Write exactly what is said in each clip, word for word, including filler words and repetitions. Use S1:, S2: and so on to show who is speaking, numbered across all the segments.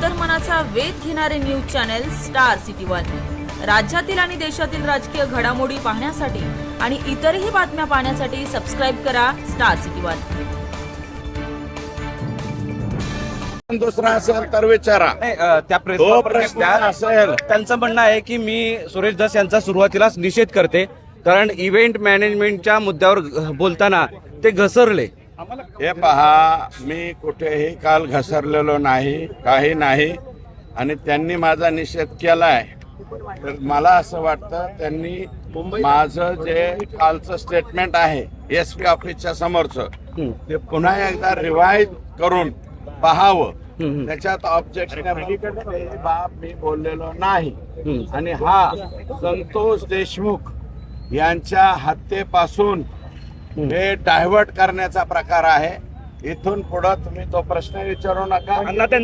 S1: अंतर्मनाचा वेध घेणारे news channel star city one. राज्यातील आणि देशातील राजकीय घडामोडी पाहण्यासाठी आणि इतरही बातम्या पाहण्यासाठी सबस्क्राइब करा स्टार सिटी वन।
S2: दुसरा असेल तर विचारा।
S3: त्या प्रेस
S2: तो प्रश्न असेल
S3: त्यांचं म्हणणं आहे की मी सुरेश धस यांचा सुरुवातीलाच निषेध करते, कारण इव्हेंट मॅनेजमेंटच्या मुद्द्यावर बोलताना ते घसरले।
S2: हे पहा, मी कुठेही काल घसरलेलो नाही, काही नाही, आणि त्यांनी माझा निषेध केलाय। तर मला असं वाटतं त्यांनी माझं जे कालचं स्टेटमेंट आहे एस पी ऑफिसच्या समोरचं ते पुन्हा एकदा रिवाइज करून पाहावं। त्याच्यात ऑब्जेक्शन बाब मी बोललेलो नाही, आणि हा संतोष देशमुख यांच्या हत्येपासून हे डायव्हर्ट करण्याचा प्रकार आहे। इथून पुढे तुम्ही तो प्रश्न विचारू नका।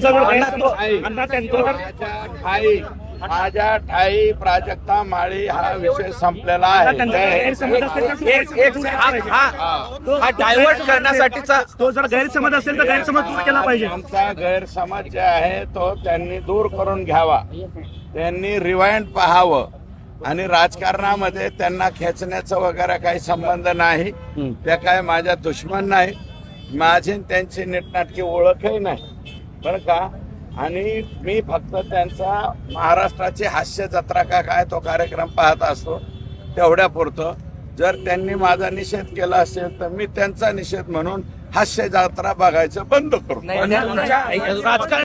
S2: माझ्या ठाई माझ्या ठाई प्राजक्ता माळी हा विषय संपलेला आहे।
S3: हा डायव्हर्ट करण्यासाठीचा
S4: तो जर गैरसमज असेल तर गैरसमज दूर केला पाहिजे।
S2: आमचा गैरसमज जे आहे तो त्यांनी दूर करून घ्यावा, त्यांनी रिवाइंड पाहावं, आणि राजकारणामध्ये त्यांना खेचण्याचा वगैरे काही संबंध नाही। त्या काय माझ्या दुश्मन नाही, माझी त्यांची नीटनाटकी ओळखही नाही बरं का। आणि मी फक्त त्यांचा महाराष्ट्राची हास्य जत्रा का काय तो कार्यक्रम पाहत असतो, तेवढ्या पुरतं। जर त्यांनी माझा निषेध केला असेल तर मी त्यांचा निषेध म्हणून हास्य जत्रा बघायचं बंद करू।
S3: राजकारण